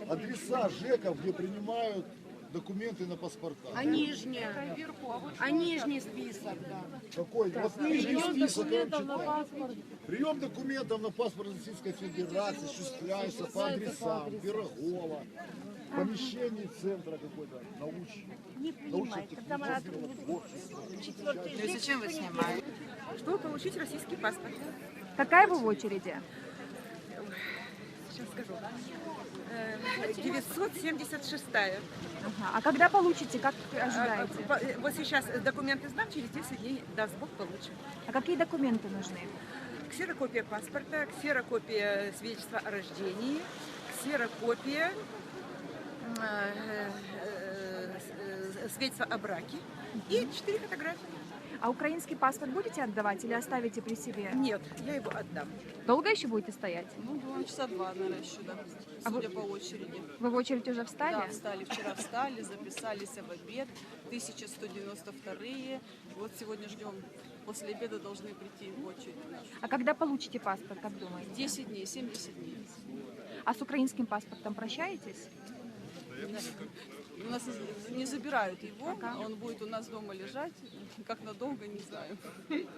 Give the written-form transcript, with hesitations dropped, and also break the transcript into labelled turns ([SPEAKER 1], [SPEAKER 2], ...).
[SPEAKER 1] адреса ЖЭКов, где принимают документы на паспорта.
[SPEAKER 2] А нижний список, да.
[SPEAKER 1] Какой? Вот нижний список, я вам читаю. Прием документов на паспорт Российской Федерации осуществляется по адресам Пирогова, помещении центра какой-то научного.
[SPEAKER 3] Зачем вы снимаете?
[SPEAKER 4] Чтобы получить российский паспорт.
[SPEAKER 5] Какая вы в очереди?
[SPEAKER 4] Сейчас скажу. 976-я.
[SPEAKER 5] Ага. А когда получите, как ожидаете?
[SPEAKER 4] Вот сейчас документы сдам, через 10 дней, даст Бог, получим.
[SPEAKER 5] А какие документы нужны?
[SPEAKER 4] Ксерокопия паспорта, ксерокопия свидетельства о рождении, ксерокопия свидетельства о браке и 4 фотографии.
[SPEAKER 5] А украинский паспорт будете отдавать или оставите при себе?
[SPEAKER 4] Нет, я его отдам.
[SPEAKER 5] Долго еще будете стоять?
[SPEAKER 3] Ну, часа два, наверное, еще, да. Судя по очереди.
[SPEAKER 5] Вы в очередь уже встали?
[SPEAKER 3] Да, встали. Вчера встали, записались в обед. 1192-е. Вот сегодня ждем. После обеда должны прийти в очередь.
[SPEAKER 5] А когда получите паспорт, как думаете?
[SPEAKER 3] 10 дней, 70 дней.
[SPEAKER 5] А с украинским паспортом прощаетесь?
[SPEAKER 3] У нас не забирают его, он будет у нас дома лежать, как надолго, не знаю.